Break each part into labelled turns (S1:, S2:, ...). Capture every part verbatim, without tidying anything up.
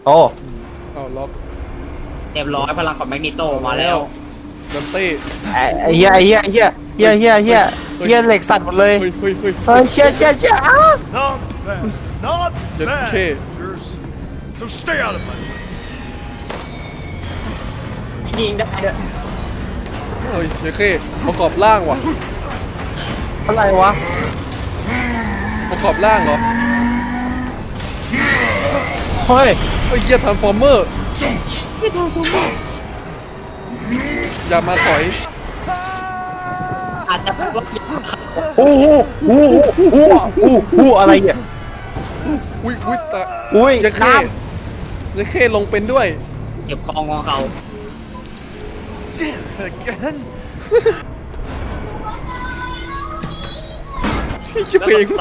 S1: โอ้
S2: เอาล็อก
S3: เรียบร้อยพลังของแมกนิโตมาแล้ว
S2: ดันเต้
S1: ไอ้เหี้ยไอ้เหี้ยไอ้เหี้ยเหี้ยเหี้ยเหี้ยเหี้ยเหล็กสั่นหมดเลย
S2: เฮ้ยเฮ้ยเฮ้ย
S1: เฮ้ยเชี่ยเชี่ยเชี่ยอ้า
S4: Not bad. Not bad.
S2: Okay.
S4: So stay out of my way.
S3: ยิงได้ด้วย
S2: เฮ้ยเยเคประกอบร่างว่ะ
S1: อะไรวะ
S2: ประกอบร่างเหรอ
S1: เฮ้ย
S2: เฮ้ยเหี้ยทรานส์ฟอร์เมอร์อย่ามาถอย
S3: อาจจะว่า
S1: โอ้โหโอ้โหโอ้โหโอ้โหอะไรเนี่ย
S2: อุ้ยอุ้ยตา
S1: อุ้ย
S2: เยเค
S1: น้
S2: เยเคลงเป็นด้วย
S3: เก็บคองของเขา
S4: Again?
S2: คิดเพลง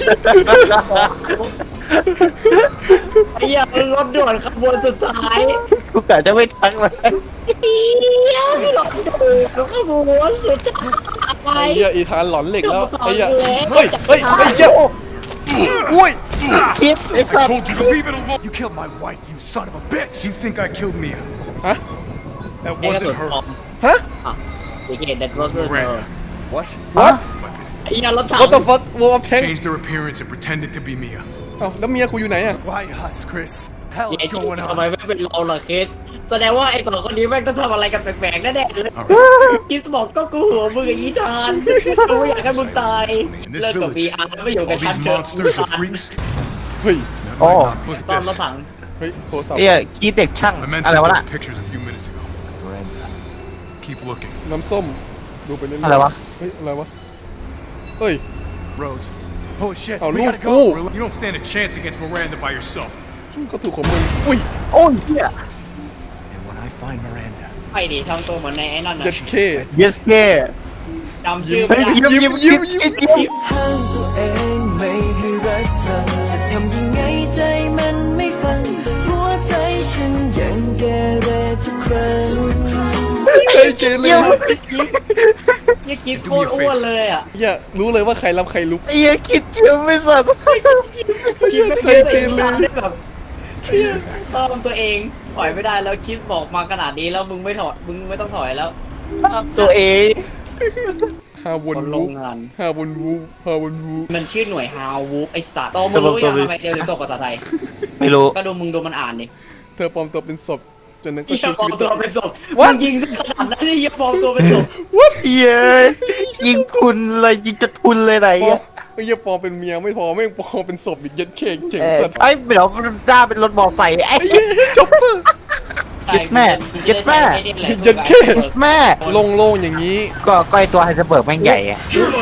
S3: ไอ้เหี้ยรถด่วนขบวนสุดท้าย
S1: ำกูกะจะไม่ทักเลย
S3: เหี้ยรถด่วนขบวนสุดท้าย
S2: ไอ้เหี้ยอีธานหลอนเหล็กแล้วไอ้เหี้ยเฮ้ยเฮ้ยไอ้เหี้ยอุ้ย
S1: คิดไอ้สัตว์
S4: Told you to leave it alone. You killed my wife, you son of a bitch. You think I killed Mia?
S2: ฮะ
S4: That
S3: นี่ก็สุด
S4: wasn't
S3: ปลอ
S4: her.
S3: ม
S2: ฮะ
S3: อ่ะโอเคเด็ดรถสุด
S4: Miranda. What?
S2: What
S3: ไอ้เหี้ยรถถัง
S2: What the fuck วัวแพง
S4: Changed her appearance and pretended to be Mia.
S2: เอ้าแล้วเมียกูอยู่ไหนอะ
S4: White House, Chris. Hell
S3: ไอ้
S4: is
S3: ที่
S4: going
S3: ทำไม
S4: on?
S3: ไม่เป็นเราล่ะเคสแสดงว่าไอ้สองคนนี้แม่งต้องทำอะไรกันแปลกๆแน่ๆเลยคิสบอกก็กูหัวมึงกับอีธานกูไม่อยากให้มึงตายเลิกกับ วี อาร์ แล้วไม่อยู่กับ
S4: All
S3: ฉัน
S4: these
S3: เถอะ
S4: monsters are freaks.
S2: เฮ้ย
S1: โอ้
S4: Look
S3: ซ่อม
S4: at
S3: รถ
S4: this.
S3: ถัง
S2: เฮ้ยโทรศัพท์
S1: เอ้ยคิดเด็กช่าง
S4: I meant
S1: อะไร
S4: sent
S1: วะน่ะ
S4: those pictures a few minutes ago. Miranda. Keep looking.
S2: น้ำส้มดูไปเรื่อยๆ
S1: อะไรวะ
S2: เฮ้ยอะไรวะเฮ้ย
S4: Rose. Holy shit.
S2: Oh,
S4: we
S2: look,
S4: gotta go.
S2: oh.
S4: You don't stand a chance against Miranda by yourself.
S2: ก็ถูกของมึงอุ้ย
S1: โอ้ยเหี้ย
S4: And when I find Miranda,
S3: ไปดิทำตัวเหมือนในไอ้นั่นนะ
S2: เจ็ดเค
S1: yes แก
S3: จำชื่อ
S1: เฮ้
S3: ไม่
S1: ย
S3: ได้
S1: ยิ้มยิ้มยิ้มยิ้มยิ้ม
S5: ห้ามตัวเองไม่ให้รักเธอจะทำยังไงใจมันไม่ฟังหัวใจฉันยังเกเรทุกครั้ง
S2: เฮ้ยเกเร
S3: ยี่คิดโคตรอ้วนเลยอ่ะ
S2: อย่ารู้เลยว่าใครรับใครลุก
S1: ไอ้เหี้ยคิดเยอะไม่สัตว์
S3: คิดไม่
S2: ใจ
S3: ได้
S2: เก
S3: ตัวเอง
S2: เร
S3: ทำได้แบบตามตัวเองถอยไม่ได้แล้วคิดบอกมาขนาดนี้แล้วมึงไม่ถอยมึงไม่ต้องถอยแล้ว
S1: ตัวเอง
S2: ฮาวน
S3: คนโร
S2: วู
S3: งงาน
S2: ฮาวนวูฮาวนวู
S3: มันชื่อหน่วยฮาววูฟไอสัตว์โตมึงรู้ยังทำไมเดี๋ยวจะตกภาษาไทย
S1: ไม่รู้
S3: ก็ดูมึงดูมันอ่านดิ
S2: เธอปลอมตัวเป็นศพจนนั้นก็
S3: ที่
S2: ชู
S3: ปลอ
S2: ชี
S3: ม
S2: วิต
S3: ตัวเป็นศพมึงยิงซะขนาดนั้นนี่ยังปลอมตัวเป็นศพ
S1: เย้ยยิงพุนเลยยิงจะพุนเลยไหน
S2: ปลอม
S1: อ่ะ
S2: ไอ้เหี้ยปลอมเป็นเมียไม่พอแม่งปลอมเป็นศพอีกยัดเคกเจ๋ง
S1: เออ
S2: สัตว์
S1: ไอ้เดี๋ยวจ้าเป็นรถมอไซค์ไอ้
S2: จ็อปเปอร์
S1: ยึดแม่ยึดแม่
S2: ยัดเค
S1: yes แม่
S2: โล่งๆอย่างนี้
S1: ก็ก้อยตัวไฮเซอร์เบิร์กแม่งใหญ่อะ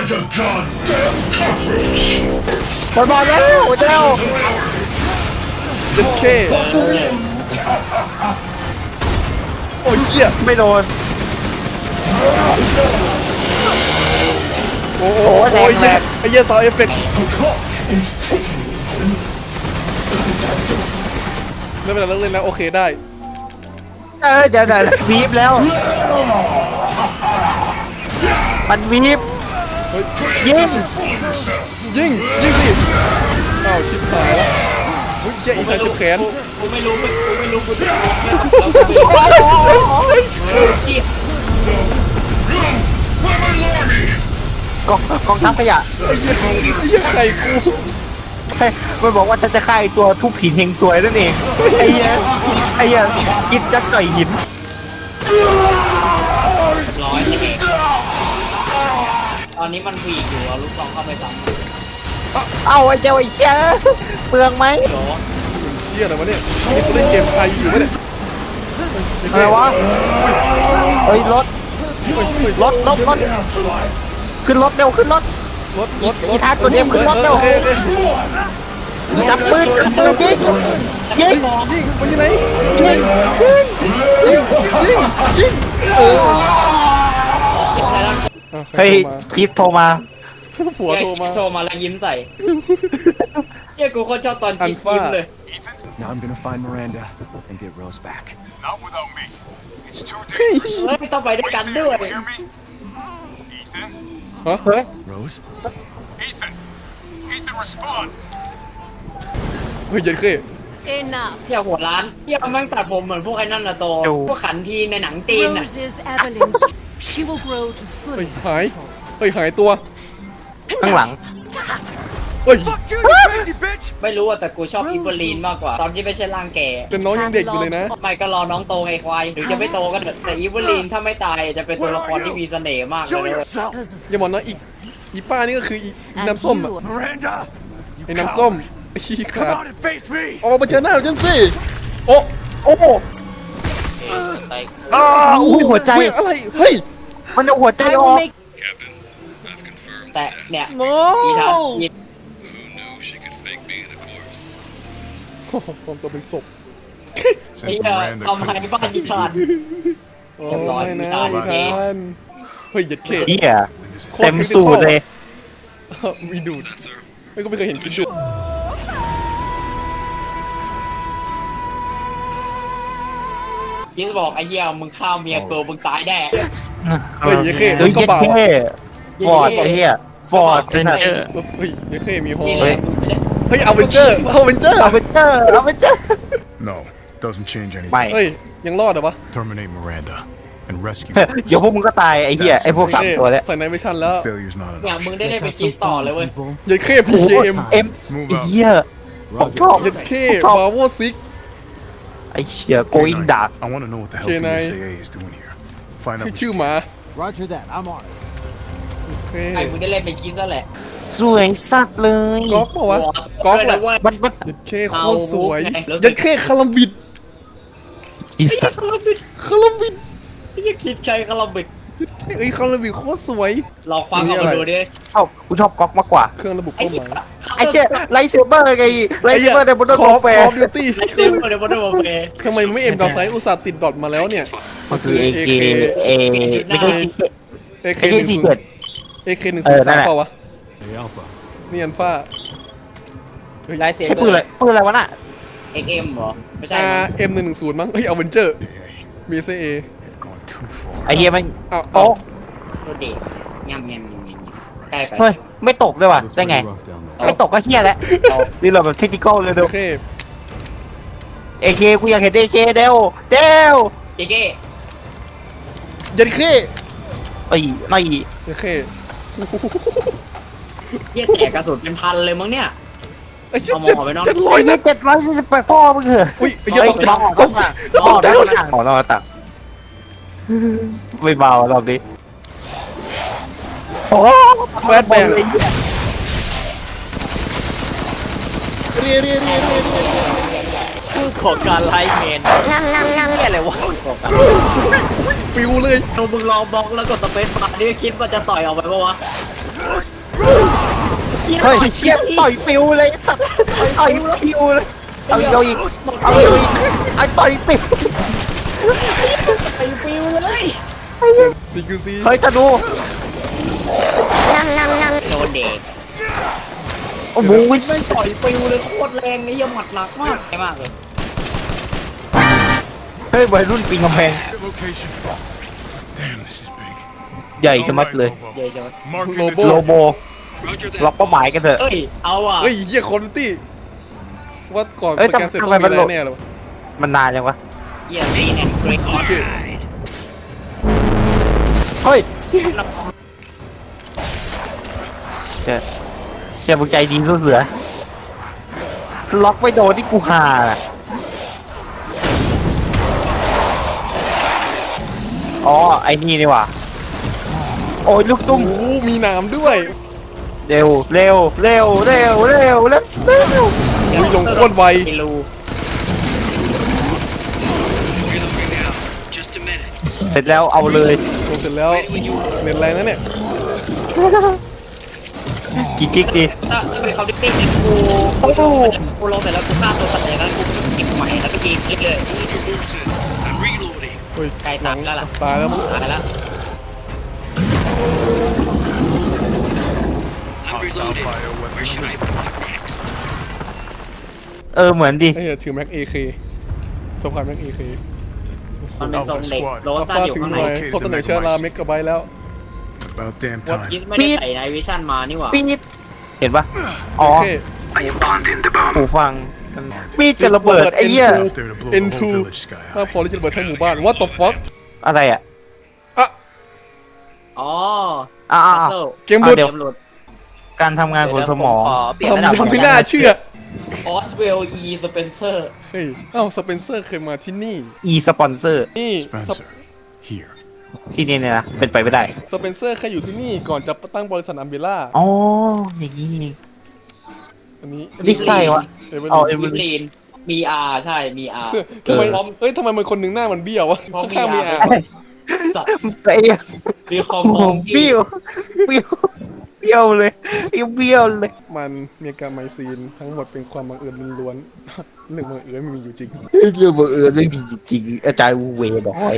S1: บอลบอลแล้วเจ้า
S2: ยัดเคโอ้ยเหี้ย
S1: ไม่โดน
S2: โอ้โห
S1: โอ้แรง
S2: โอ้ย
S1: แรง
S2: ไอ้เหี้ยต่อเอฟเฟกต์ไม่เป็นไรเลิกเล่นแล้วโอเคได้
S1: เออเดี๋ยวเดี๋ยววีบแล้ว มันวีบ
S2: เฮ้ย
S1: ยิง
S2: ยิงยิงดิอ้าวชิบหายแล้วเฮ้ยเหี้ยอีกทางจุดแขน
S3: กูไม่รู้กูไม่รู้กูจะรู้เชี่ย
S1: กองกองทัพขยะ
S2: ไอ้เหี้ยไอ้เหี้ยไข่กู
S1: เฮ้ยมันบอกว่าฉันจะฆ่าไอ้ตัวทุบหินเฮงซวยนั่นเองไอ้เหี้ยไอ้เหี้ยคิดจะต่อยหิน
S3: ร้อยนี่เองตอนนี้มันวีกอยู่เอาลูกซองเข้าไปซ้ำ
S1: เอาไอ้เจ้าไอ้เชี่ยเปลืองไหม
S3: เดี๋ยว
S2: มันเชี่ยอะไรวะเนี่ยไอ้กูเล่นเกมไทยอยู่วะเนี่ย
S1: อะไรวะเฮ้ยรถรถรถรถขึ้นรถเร็วขึ้นรถ
S2: รถรถ
S1: อีทาตัวเดียวขึ้นรถเร็ว
S2: โอเคโอเค
S1: จับปืนจับปืนยิงยิง
S2: ยิงมันอยู่ไหน
S1: ยิง
S2: ยิงยิงยิงเออ
S1: เฮ้ยคิดโทรมา
S2: ผัวโทรมา
S3: โทรมาแล้วยิ้มใส่เฮียกูโคตรชอบตอนคิดยิ้มเลย
S4: now I'm gonna find Miranda and get Rose back.
S6: Not without me. It's too dangerous.
S3: เฮ้ยต้องไปด้วยกันด้วย
S6: You hear me? Ethan?
S2: ฮะ
S1: เฮ้ย
S4: Rose?
S6: Ethan? Ethan, respond.
S2: เฮ้ยเย็นเค
S7: Enough.
S3: เที่ยวหัวร้านเที่ยวแม่งตัดผมเหมือนพวกไอ้นั่นน่ะโตพวกขันทีในหนังจีนน่ะ
S7: Rose is Evelyn's. She will grow to
S2: เฮ้ย
S7: fully
S2: หาย
S7: control.
S2: เฮ้ยหายตัว
S1: ข้างหลัง
S7: Stop.
S2: เฮ้ย
S4: Fuck you, you crazy bitch!
S3: ไม่รู้อะแต่กูชอบอีเวอร์ลีนมากกว่า ตอนที่ไม่ใช่ร่างแก่
S2: แต่น้องยังเด็กอยู่เลยนะ
S3: ไม่ก็รอน้องโตไงควายหรือจะไม่โตก็เถอะแต่อีเวอร์ลีนถ้าไม่ตายจะเป็นตัวละครที่มีเสน่ห์มากเล
S4: Show
S3: ย
S4: yourself!
S7: Because of
S2: อย่าบอกนะอีกอีป้านี่ก็คืออีอี
S7: and
S2: น้ำส้มอะ
S7: you.
S4: Miranda! You
S2: ไอ้น้ำส้ม
S4: coward.
S2: ไอ้ขี้ขา
S4: Come
S2: ด
S4: out and face me!
S2: ออกมาเจอหน้าฉันสิโอ้โอ้
S1: อ้าวอุ้ยหัวใจ
S2: เฮ้ยอะไรเฮ้ย
S1: มันเอาหัวใจ
S7: I
S1: ออ
S7: will
S1: ก
S7: make
S3: แต่เนี่ย
S2: โน้
S3: อีทาอี
S2: โอ้โหปลอมตัวเป็นศพ
S3: ไอ้
S6: Since
S3: เหี้ย
S6: Miranda
S3: ทำให้บ้านอีทาน
S2: โอ้
S3: เรียบร้อย
S2: ไม่นะ
S3: ไม่
S2: อี
S3: ได้
S2: ทานเฮ้ยเหยัดเข
S1: เฮีย
S2: โค
S1: เต็มสูตรเลย
S2: มีดูดไม่ก็ไม่เคยเห็นกินดูด
S3: ยิงบอกไอ้เหี้ยมึงฆ่าเมียกูมึงตายแน่
S2: เฮ้ยเหยัดเข
S1: เฮ้ย
S2: ก็
S1: เย็ด
S2: เบา
S1: เท่ฟอร์ดไอ้เฮียฟอร์ดเป็นอะ
S2: เฮ้ยเหยัดเขมีฮอ
S3: นี่
S2: เฮ้
S3: เลย ย
S2: เฮ้ยเอาเวนเจอร์เอาเวนเจอร์
S1: เอาไปเจอเอาไปเจอ
S6: No, doesn't change
S1: ไม่
S6: anything.
S2: เฮ้ยยังรอดเหรอวะ
S6: Terminate Miranda and rescue
S1: เดี๋ยวพวกมึงก็ตายไอ้เหี้ยไอ้พวกสามตัวแล้ว
S2: ใส่ในไม่ชันแล้ว
S6: Failure's not
S3: เนี่ย
S6: enough.
S3: มึงได้เล่นไปคิสต่อเลยเว้ย
S2: เหยัดเขพี
S1: โอ้
S2: เค
S1: โห
S2: เอ็ม
S1: เอ็มไอ้เหี้ยผมชอบ
S2: เหยัดเข
S1: ชอบบ
S2: าโวซิก
S1: ไอ้เหี้ย going dark
S6: I want to know what the hell
S2: Can
S6: P S A
S2: I-
S6: A is doing here. Find out.
S2: ชื่อหมา
S4: Roger that, I'm on it.
S2: โอเค
S3: ไอ้มึงได้เล่นไปคิสแล้วแหละ
S1: สวยสัตว์เลย
S2: ก๊อกเปล่าวะก๊อกแหละ
S3: เว้ย
S1: มันมัน
S2: เหยัดเขโค
S3: เอา
S2: ตรสวย
S3: ไง
S2: เหยัดเขคาลัมบิด
S1: อีสัตว์
S2: คาลัมบิด
S3: ยังคิดใช้คาราบิก
S2: เอ้ยคาลัมบิดโคตรสวย
S3: ลองฟังออกมาดูดิ
S1: ชอบกูชอบก๊อกมากกว่า
S2: เครื่องระบุ
S3: ไอ้
S2: เป้าห
S3: เหี้ย
S2: มาย
S1: ไอ้เชี่ยไลท์เซเบอร์ไงไลท์เซเบอร์ในบนรถ
S2: คอฟ
S1: แฟ
S2: คอ
S1: ร์
S2: ฟดิวตี้
S3: ไอ้เต็มเลยบนรถบนเวย์
S2: ทำไมไม่เอ็มดาวไซด์อุตส่าห์ติดดอทมาแล้วเนี่ย
S1: มันคือเอเคเอไม่ใช่ซี
S2: เอเค
S1: ไม่
S2: ห
S1: ใช่
S2: นึ่ง
S1: ซี
S2: ศูน
S1: เกิด
S2: ย์เอเคหนึ่ง
S1: เอ
S2: ศูน
S1: อ
S2: ย์
S1: นั่
S2: สาน ม
S1: แหละ
S2: เปล่าวะนี่อันฟ้า
S3: ไลท์เซ
S1: ใช่
S3: เบ
S1: ปื
S3: อน
S1: อะไร
S3: ร์
S1: ปืนอะไรวะน่ะ
S3: เอ็กเอ็มเหรอไม่ใช่
S2: อา
S3: มั้ง
S2: เอ็มหนึ่งหนึ่งศูนย์มั้งเฮ้ยเอาเวนเจอร์มีเซเอ
S6: They've gone too far.
S1: ไอ้เหี้ยมัน
S2: อ้าว
S1: โอ้
S3: รถเด็กยำยำยำยำใกล้ไป
S1: เฮ้ยไม่ตกด้วยว่ะได้ไงไม่ตกก็เหี้ยแล้วนี่เราแบบเทคนิคอลเลยเดี๋
S2: โอ
S1: ยว
S2: เค
S1: เอเคกูอยากเห็นเอเคเดวเดว
S3: เจ๊เก้
S2: ยันเค
S1: ไอ้ไม่
S2: โอเค
S3: เหี้ยแตกกระสุนเป็นพันเลยมั้งเนี่ย
S2: ไอ้เจ็ด
S3: เอาหมอ
S2: เจ็ด
S3: ไปนอก
S2: เจ็ดร้
S1: โอ้
S2: อย
S1: ย
S2: นัด
S1: เจ็ดร้อยสี่สิบแปดพ่อมึงเหรอ
S2: อุ้ยไอ้
S1: เฮ้
S2: เหี้ย
S1: ย
S2: ตกใจ
S1: ต้องต่างต้องได้คนต่างของเราต่างไม่เบารอบนี้โอ้
S2: แฟตแบงเรียเรียเรียเรียเรีย
S3: คือของการไลฟ์เมนนั่งนั่งนั่งเนี่ยอะไรวะ
S2: ปิวเลย
S3: เรามึงลองบล็อกแล้วกดสเปซบาร์นี่คิดว่าจะต่อยออกไปปะวะ
S1: เฮ้ยเชี่ยต่อยปิวเลยสัตว์ต่อยปิวเลยเอาอีกเอาอีกเอาอีกเอาอีกไอ้ต่อยปิว
S3: ไอ้ฟิวเลย
S2: ซีคิวซี
S1: เฮ้ยจะดู
S3: โดนเด็ก
S1: โอ้โห
S3: ไม่ต่อยฟิวเลยโคตรแรงนี่ยังหมัดหนักมากแรงมากเลย
S1: เฮ้ยวัยรุ่นปีนกำแพง
S6: Location. Damn, this is big.
S1: ใหญ่ชะมัดเลย
S3: เดี๋ยวเดี๋ยว
S6: Marking
S2: โล
S6: the
S2: โบ
S1: โลโบล็อกเป้าหมายกันเถอะ
S3: เอ้ยเอาอ่ะ
S2: เฮ้ยเหี้ยคอร์ตี้ว่าก่อน
S1: เอ้ย
S2: สแกนเสร็จ
S1: ทำ
S2: ต้อง
S1: ไม
S2: มี
S1: มัน
S2: อะไร
S1: โหลด
S2: แน่เลยวะ
S1: มันนานยังวะ
S3: เยี่ยมดีแอนเกรด
S2: โอเค
S1: เฮ้ยเชี่ยเชี่ยเชี่ยมึงใจดีสู้เสือล็อกไม่โดนที่กูหาน่ะอ๋อไอ้นี่นี่ว่ะโอ้ยลูกตุ้ม
S2: โอ้โหมีหนามด้วย
S1: เร็วเร็วเร็วเร็วเร็วเร็วเร็ว
S2: อุ้ยลงโคตรไว
S3: กิลู
S1: เสร็จแล้วเอาเลย
S2: ลงเสร็จแล้วเน็ตแรงนะเนี่ย
S1: กี่จิกดี
S3: ถ้าถ้าเป็นเขาดิติ้งเนี่ยกูกูลงกูลงเสร็จแล้วกูฆ่าตัวสัตว์เลยแล้วกูก็เก็บใหม่แล้วก็ยิงคิดเลย
S2: เฮ้ย
S3: ใกล้ตายแล้วล่ะ
S2: ตายแล้วมั้ง
S3: ตายแล้ว
S6: hostile bioweapon.
S1: เออเหมือนดิ
S2: ไอ้เหี้ยถือแม็กเอเคสะพายแม็กเอเค
S3: มันเป็นทรงเด็กโร
S2: อัล
S3: ซ่า
S2: ฟา
S3: อยู่
S2: ถึง
S3: ข้าง
S2: ห
S3: ใน
S2: น่อยพบตำแหน่งเชื้อราเมกะไบต์แล้ว
S6: About damn
S2: What?
S6: time.
S3: คิดไม่ได้ใส่ไนวิชั่นมานี่หว่า
S1: ปี๊ดเห็นปะอ๋อ
S2: โอเค
S1: หูฟังมีดกับระเบิดไอ้เหี้ย
S6: There to blow
S2: เอ็น
S6: the
S2: ทู
S6: whole village sky
S2: มาก
S6: high.
S2: พอที่จะระเบิดทั้งหมู่บ้าน what the fuck
S1: อะไรอ่ะ
S2: อ่ะ
S3: อ๋อ
S1: อ่า
S3: เซล
S2: เกมหลุด
S3: เกมหลุด
S1: การทำงานของสมอง
S8: เปลี่ยนระดับ
S2: ทำยังไม่น่าเชื่อ
S3: ออสเวลอีสเปนเซอร์
S2: เฮ้ยเอ้าสเปนเซอร์เคยมาที่นี่
S1: อีสปอนเซอร์
S2: นี่
S6: Spencer, here.
S1: ที่นี่เนี่ยนะเป็นไปไม่ได้
S2: สเปนเซอร์เคยอยู่ที่นี่ก่อนจะตั้งบริษัทอัมเบล่า
S1: อ๋ออย่างนี้นี่
S2: อันนี้
S1: นี่ใครวะ
S2: เอเวอ
S1: เอา
S2: ร์
S1: เอ
S2: ลี
S1: เวอ
S3: วิ
S1: ร์
S3: ลีนมีอาใช่มีอา
S2: ทำไม
S3: พร้อม
S2: เฮ้ยทำไมมันคนหนึ่งหน้ามันเบี้ยววะ
S3: เพราะมี
S2: ข้างๆมี
S3: อา
S2: อา
S3: สัตว์
S1: ไอ้เหี้ย
S3: มีคอม
S1: โอ้
S3: ม
S1: โห
S3: อง
S1: เบี้ยวเบี้ยวเบี้ยวเลยไอ้เบี้ยวเลย
S2: มันมีการไมซีนทั้งหมดเป็นความบังเอิญล้วนๆเรื่องบังเอิญไม่มีอยู่จริง
S1: เรื่องบังเอิญไม่มีจริงๆอาจารย์วูเวบอกไว้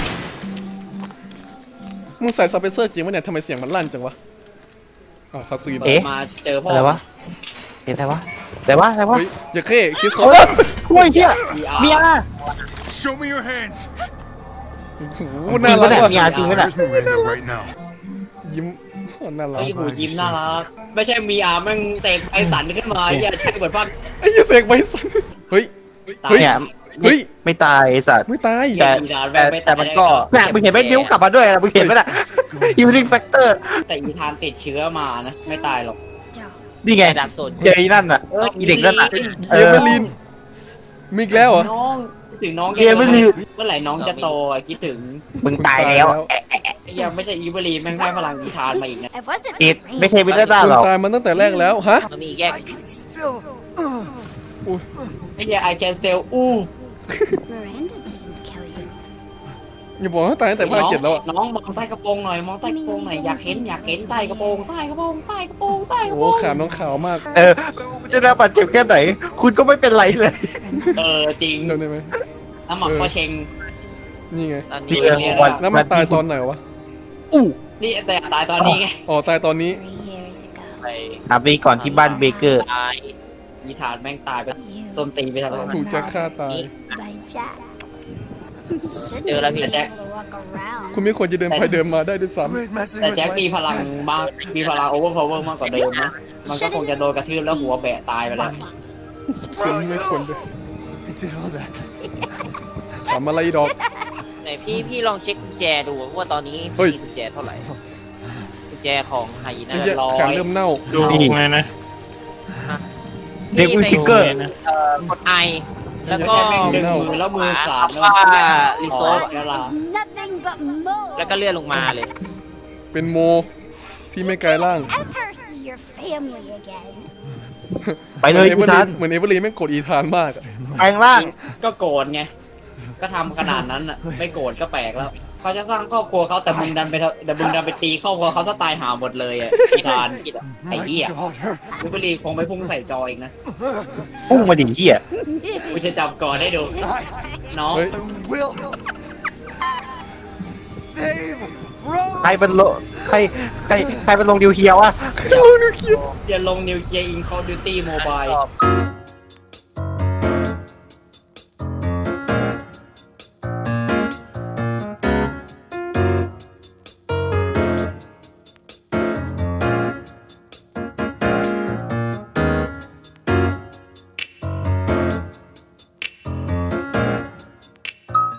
S2: มึงใส่สเปนเซอร์จริงปะเนี่ยทำไมเสียงมันลั่นจังวะอ๋อคาซีน
S1: เอ๊ะ
S3: มาเจอพ่อ
S1: อะไรวะเห็นอะไรวะอะไรวะอะไรวะ
S2: เฮ้ยอย่าเค้คิสเขา
S1: โอ้ยโอ้ยเฮีย
S3: มีอา
S1: เมีย
S6: Show me your hands.
S2: โอ้โหน่ารัก
S1: จริงปะเนี่ย
S2: ว่ะ
S1: จริงไหมล่ะ
S6: Where's Miranda right now?
S2: ยิ้มโอ้น่ารัก
S3: ไอ้หูยิ้มน่ารักไม่ใช่มีอาแม่งเตะไอ้สันขึ้นมาอย่าใช่เหมือนพัน
S2: ไอ้เหี้ยเสกไว้สันเฮ้ย
S3: ตาย
S2: เฮ้ย
S1: เนี่ย
S2: เฮ้ย
S1: ไม่ตายไอ้สัตว์
S2: ไม่ตาย
S1: แต่แต่แต่มันก็น่ะมึงเห็นไหมนิ้วกลับมาด้วยนะมึงเห็นไหมล่ะยูริงแฟกเตอร์
S3: แต่อีธานติดเชื้อมานะไม่ตายหรอก
S1: นี่ไง
S8: ระดับสุด
S1: เจอไอ้นั่นน่ะอีเด็กนั่นน่ะ
S2: เอเวอร์ลินมีอีกแล้วเหรอ
S3: น้องคิดถึงน้อง
S1: เรียนไม่มี
S3: เมื่อไหร่น้องจะโตอะคิดถึง
S1: มึงตายแล้ว
S3: ยังไม่ใช่อีเวอรีนแม่งได้พลังอีธานมาอีกนะ
S7: It wasn't
S1: ติด
S7: me.
S1: ไม่ใช่วิลเลต้า
S2: คุณ
S1: หรอก
S2: ตายมันตั้งแต่แรกแล้วฮะ
S8: มันมีแยก
S4: Still.
S3: ไอ้เหี้ยไอแคนเซลอู้
S7: Miranda didn't kill you.
S2: อย่าบอกว่าตายตั้งแต่ภาคเจ็ดแล้วอะ
S3: น้องมองใต้กระโปรงหน่อยมองใต้กระโปรงหน่อยอยากเห็นอยากเห็นใต้กระโปรงใต้กระโปรงใต้กระโปรงใต้กระ
S2: โอ้
S3: โปรง
S2: ขาน้องขาวมาก
S1: เออจะได้บาดเจ็บแค่ไหน คุณก็ไม่เป็นไรเลย
S3: เออจริง
S2: จำได้ไหม
S3: น้ำหมักพ่อเชง
S2: นี่ไง
S8: ตอน
S1: นี่
S8: นี้
S1: เรื่องวัน
S2: แล้วมันตายตอนไหนวะ
S3: นี่แต่ตายตอนนี้ไง
S2: อ๋อตายตอนนี้
S7: Three years ago.
S8: ไป
S1: ถามไปก่อนที่บ้านเบเกอร์
S8: ตาย
S3: อีธานแม่งตายไป
S7: You
S3: ส้มตีไปทำไม
S2: ถูกจะฆ่าตาย
S7: by Jack. Shouldn't
S8: Chưa
S7: have
S8: là
S7: been
S8: gì?
S7: able to walk around.
S2: คุณไม่ควรจะเดินไปเดินมาได้ด้วยซ้
S4: Quit messing
S3: แต่
S4: with
S3: แจ็ค
S4: my
S3: มีพลังมากมีพลังโอเวอร์พาวเวอร์มากกว่าเดิมนะมันก็คงจะโดนกระทืบแล้วหัวแบะตายไปแล้ว
S2: ำคุณไม่ควรเลย
S4: I did all that.
S2: ทำอะไรดอก
S8: ไหนพี่พี่ลองเช็คกุญแจดูว่าตอนนี้
S2: เฮ้ย
S8: มีกุญแจเท่าไหร่กุญแจของไฮยีน่า
S2: เหี้ยแขนเริ่มเน่า
S1: นี่ เด็กวิวทิกเกอร์
S8: เอ่อกดไอแล้วก็
S3: ใช้แม่งดึงมือแล้วมือขาด
S8: คำว่ารีโซ
S3: ร์
S8: ส
S3: เวลา
S7: It's nothing but more.
S8: แล้วก็เลื่อนลงมาเลย
S2: เป็นโมที่ไม่กลายร่าง
S7: Ever see your family again?
S1: ไปเลย
S2: หมื
S1: อี
S2: อน
S1: ธาน
S2: เหมือนเอเวอร์ลีนแม่งกดอีธานมากอะ
S1: แปลงร่าง
S3: ก็โกรธไง ก็ทำขนาดนั้นอ่ะ ไม่โกรธก็แปลกแล้ว เขาจะสร้างครอบครัวเขาแต่มึงดันไปทำแต่มึงดันไปตีครอบครัวเขาซะตายหาหมดเลยอ่ะอีธานไอ้เหี้ย
S4: Daughter.
S3: วิบลีคงไม่พุ่งใส่จออีกนะ
S1: พุ่งมาดิเหี้ย
S3: กูจะจับก่อนให้ดู น้อง
S2: เฮ้ย
S4: I will save
S1: ใคร
S4: Rose.
S1: เป็นโลใครใครใครเป็นลงดิวเคียววะ
S3: อย่าลงนิวเคลียร์อินคอร์ดิวตี้โมบาย